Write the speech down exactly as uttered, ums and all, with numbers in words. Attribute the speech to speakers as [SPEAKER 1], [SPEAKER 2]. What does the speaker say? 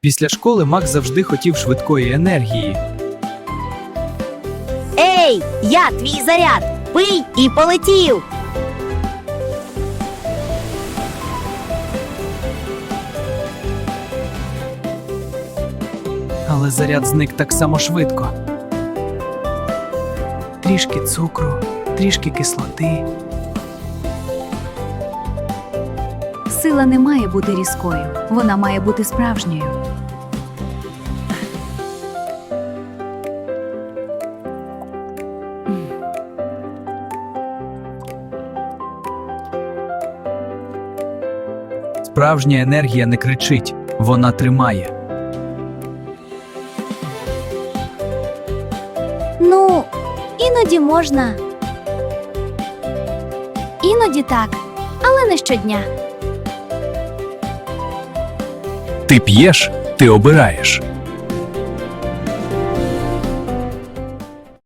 [SPEAKER 1] Після школи Макс завжди хотів швидкої енергії.
[SPEAKER 2] Ей, я твій заряд! Пий і полетів!
[SPEAKER 1] Але заряд зник так само швидко. Трішки цукру, трішки кислоти.
[SPEAKER 3] Сила не має бути різкою, вона має бути справжньою.
[SPEAKER 1] Справжня енергія не кричить, вона тримає.
[SPEAKER 2] Ну, іноді можна. Іноді так, але не щодня.
[SPEAKER 1] Ти п'єш, ти обираєш.